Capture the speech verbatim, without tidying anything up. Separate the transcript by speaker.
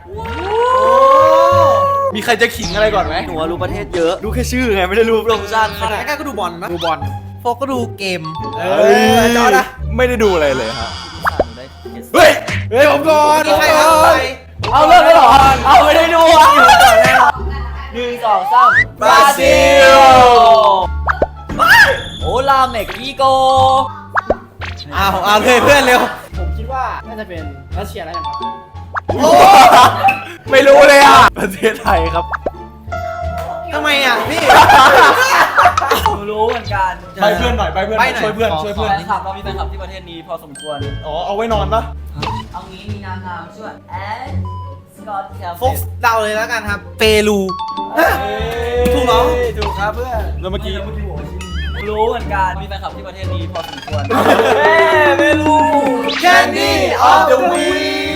Speaker 1: มีใครจะขิงอะไรก่อนไหม
Speaker 2: หนูรู้ประเทศเยอะรู้แค่ชื่อไงไม่ได้รู้โปรโมชั่น
Speaker 3: ใกล้ๆก็ดูบอลนะ
Speaker 1: ดูบอล
Speaker 3: โฟกก็ดูเกม
Speaker 1: เออจอนะ
Speaker 4: ไม่ได้ดูอะไรเลยครับ
Speaker 1: เฮ้ยเฮ้ยผมก่อน
Speaker 3: มีใครเอาไป
Speaker 2: เอาเลิกได้หรอเอาไม่ได้ดูอ่ะหนึ่งสองสามบราซิลโอลาเม็กซิโก
Speaker 3: เอาเอาเลยเพื่อนเร็ว
Speaker 5: ผมคิดว่าน่าจะเป็นรัสเซียแล้วกันครับ
Speaker 4: ไม่รู้เลยอ่ะ ประเทศไทยครับ
Speaker 3: ทำไมอ่ะพี่
Speaker 2: หนูรู้เหมือนกัน
Speaker 1: ไปเพื่อนหน่อยไปเพื่อน
Speaker 3: ไปหน่อย
Speaker 1: ช่วยเพื่อน
Speaker 3: ขอ
Speaker 1: ช่วยเพื่อน
Speaker 2: แฟนคลับเรามีแฟนคลับที่ประเทศนี้พอสมควร
Speaker 1: อ๋อเอาไว้นอนปะ
Speaker 2: เอางี้มีนางงามชื่อแอดสกอตแคล
Speaker 3: โฟกเดาเลยแล้วกันครับ เปรู ถูกเหรอ
Speaker 2: ถูกครับเพื่อน
Speaker 1: แล้วเมื่อกี้
Speaker 2: รู้เหมือนกันมีแฟนคลับที่ประเทศนี้พอสมควรไม่รู้
Speaker 3: Candy of the Week